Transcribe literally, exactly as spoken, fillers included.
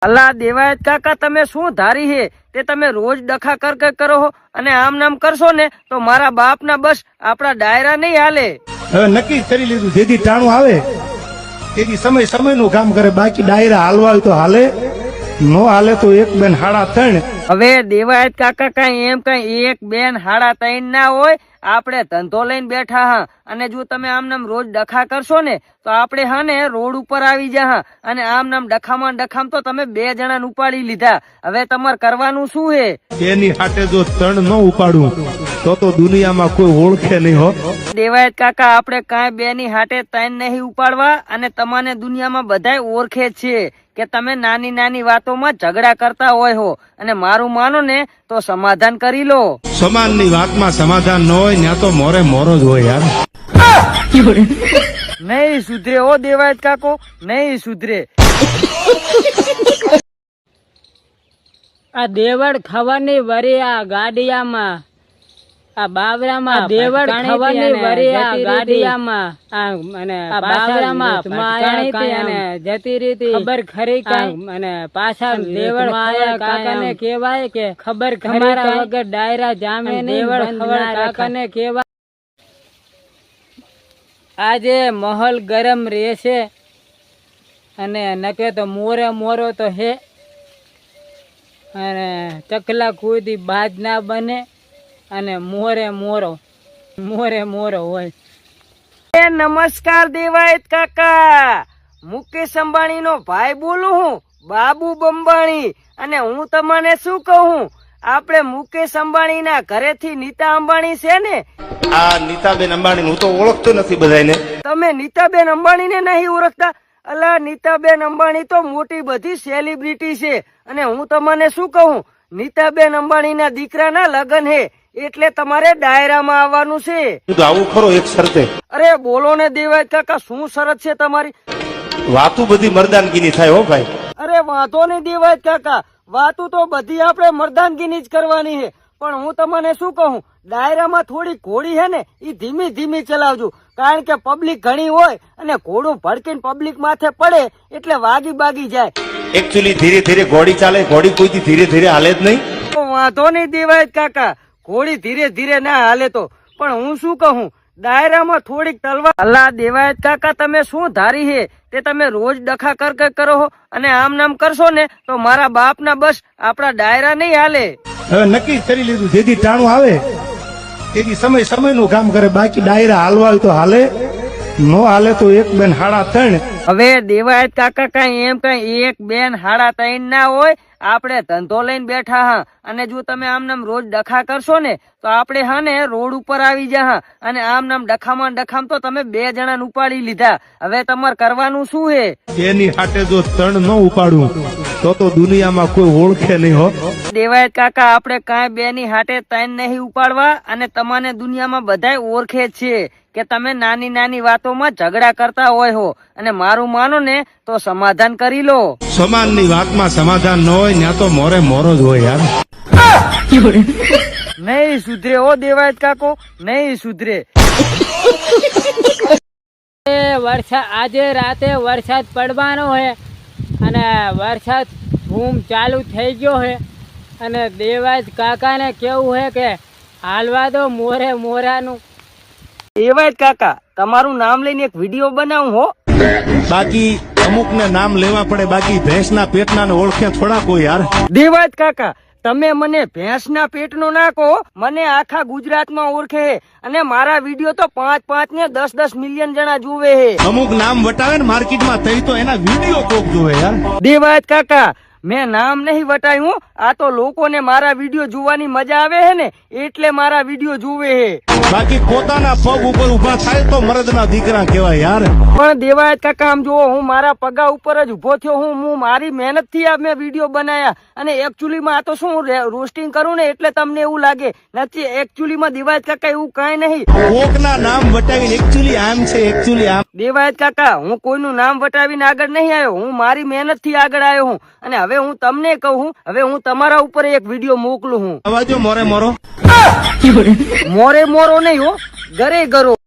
અલ્લા દેવાયત કાકા, તમે શું ધારી હે તે તમે રોજ ડખા કર કર કરો હો અને આમ નામ કરશો ને તો મારા બાપ ના બસ આપણા ડાયરા નહીં હાલે. હવે નક્કી કરી લીધું, જેથી ટાણું આવે તેથી સમય સમય નું કામ કરે, બાકી ડાયરા હાલવા તો હાલે, નો હાલે તો એક બેન હાડા ત્રણ. હવે દેવાયત કાકા કઈ એમ કઈ એક બેન હાડા ત્રણ ના હોય, આપણે ધંધો લઈને બેઠા હા અને જો તમે આમ નામ રોજ ડખા કરશો ને તો આપણે હા ને રોડ ઉપર આવી જા હા અને આમ નામ ડખામાં ડખામ તો તમે બે જણા ઉપાડી લીધા. હવે તમારે કરવાનું શું હે? એની હાટે જો ત્રણ ન ઉપાડું તો તો દુનિયામાં કોઈ ઓળખે નહીં હો. દેવાયત કાકા, આપણે કાંઈ બે ની હાટે ત્રણ નહીં ઉપાડવા અને તમને દુનિયામાં બધાય ઓળખે છે કે તમે નાની નાની વાતોમાં ઝઘડા કરતા હોય હો અને મારું માનો ને તો સમાધાન કરી લો. સમાન ની વાતમાં સમાધાન ન હોય ત્યાં તો મોરે મોરો જ હોય યાર. નહીં સુધરે ઓ દેવાયત કાકો, નહીં સુધરે. આ દેવડ ખવાની વરી આ ગાડિયામાં, આ બાવરામાં દેવડ ખવાની વરી આ ગાડિયામાં, આ અને બાવરામાં ભટકાણી અને જતી રીતી ખબર ખરી કઈ અને પાછા દેવડ આયા કાકાને કહેવાય કે ખબર તમારા વગર ડાયરા જામે નહીં. દેવડ ખબર કાકાને કહેવાય આજે માહોલ ગરમ રહેશે અને નકે તો મોરે મોરો તો હે અને ચકલા કુદી બાજ ના બને અને મોરે મોરો મોરે મોરો હોય. એ નમસ્કાર દેવાયત કાકા, મુકેશ અંબાણી નો ભાઈ બોલું હું, બાબુ બંબાણી. અને હું તમને શું કહું, આપણે મુકેશ અંબાણી ના ઘરેથી નીતા અંબાણી છે ને, આ નીતાબેન અંબાણી હું તો ઓળખતો નથી બધાને. તમે નીતાબેન અંબાણી ને નહીં ઓળખતા? અલા નીતાબેન અંબાણી તો મોટી બધી સેલિબ્રિટી છે અને હું તમને શું કહું, નીતાબેન અંબાણી ના દીકરાના લગ્ન હે એટલે તમારે ડાયરામાં આવવાનું છે. આવું ખરો એક શરતે? અરે બોલો ને દેવાયત કાકા, શું શરત છે તમારી? વાતું બધી મર્દાનગીની થાય હો ભાઈ. અરે વાંધો નહીં દેવાયત કાકા, વાતું તો બધી આપણે મર્દાનગીની જ કરવાની છે, પણ હું તમને શું કહું, ડાયરામાં થોડી ઘોડી હે ને એ ધીમી ધીમી ચલાવજો, કારણ કે પબ્લિક ઘણી હોય અને ઘોડું ભડકીને પબ્લિક માથે પડે એટલે વાગી બાગી જાય. એકચ્યુઅલી ધીરે ધીરે ઘોડી ચાલે, ઘોડી કોઈથી ધીરે ધીરે હાલે જ નહીં. વાંધો નહીં દેવાયત કાકા, ઘોડી ધીરે ધીરે ના હાલે તો, પણ હું શું કહું, ડાયરામાં થોડીક તલવાર. અલ્લા દેવાયત કાકા, તમે શું ધારી હે તે તમે રોજ ડખા કર કર કરો હો અને આમ નામ કરશો ને તો મારા બાપ ના બસ આપણા ડાયરા નહીં હાલે. હવે નક્કી કરી લીધું, જેથી ટાણું આવે તેથી સમય સમય નું કામ કરે, બાકી ડાયરા હાલવા તો હાલે, નો હાલે તો એક બેન હાડા ત્રણ. હવે દેવાયત કાકા કઈ એમ કઈ એક બેન હાડા ત્રણ ના હોય, આપણે ધંધો લઈને બેઠા હા અને જો તમે આમ નામ રોજ ડખા કરશો ને તો આપણે હા ને રોડ ઉપર આવી જા હા અને આમ નામ ડખામાં ડખામ તો તમે બે જણા ઉપાડી લીધા. હવે તમારે કરવાનું શું હે? એની હાટે જો ત્રણ ન ઉપાડું તો તો દુનિયામાં કોઈ ઓળખે નહીં હો. દેવાયત કાકા, આપણે કાંઈ બે ની હાટે ત્રણ નહીં ઉપાડવા અને તમને દુનિયામાં બધાય ઓળખે છે કે તમે નાની નાની વાતોમાં ઝઘડા કરતા હોય હો અને મારું માનો ને તો સમાધાન કરી લો. સમાન ની વાતમાં સમાધાન ન હોય ત્યાં તો મોરે મોરો જ હોય યાર. નહીં સુધરે ઓ દેવાયત કાકો, નહીં સુધરે. વરસાદ આજે રાતે વરસાદ પડવાનો છે અને વરસાદ ધૂમ ચાલુ થઈ ગયો છે અને દેવાયત કાકાને કેવું છે કે હાલવા દો મોરે મોરાનું. દેવાયત કાકા, તમારું નામ લઈને એક વિડીયો બનાવું હો. બાકી અમુક ને નામ લેવા પડે, બાકી ભેંસના પેટના ને ઓળખે થોડા કોઈ યાર. દેવાયત કાકા, તમે મને ભેંસના પેટનો નાખો, મને આખા ગુજરાતમાં ઓળખે અને મારા વિડીયો તો પાંચ પાંચ ને દસ દસ મિલિયન જણા જોવે હે. અમુક નામ વટાવે ને માર્કેટમાં થઈ તો એના વિડીયો કોક જોવે યાર. દેવાયત કાકા, મેં નામ નહીં વટાયું, આ તો લોકોને મારા વિડીયો જોવાની મજા આવે હે ને એટલે મારા વિડીયો જોવે હે. બાકી પોતાના પગ ઉપર ઉભા થાય તો મરદના દીકરા કહેવાય યાર. પણ દેવાયત કાકા, આમ જુઓ, હું મારા પગા ઉપર જ ઉભો થયો હું, હું મારી મહેનત થી આ મેં વિડીયો બનાયા અને એકચ્યુઅલી માં આ તો શું રોસ્ટિંગ કરું ને એટલે તમને એવું લાગે, નથી એકચ્યુઅલી માં દેવાયત કાકા એવું કઈ નહીં. કોકના નામ વટાવીને એકચ્યુઅલી આમ છે, એકચ્યુઅલી આમ. દેવાયત કાકા, હું કોઈનું નામ વટાવીને આગળ નહીં આવ્યો, હું મારી મહેનત થી આગળ આવ્યો હું અને હવે હું તમને કહું, હવે હું તમારા ઉપર એક વિડીયો મોકલું હું. અવાજો મોરે મોરો મોરે મોરો નહીં હો, ઘરે ગરો.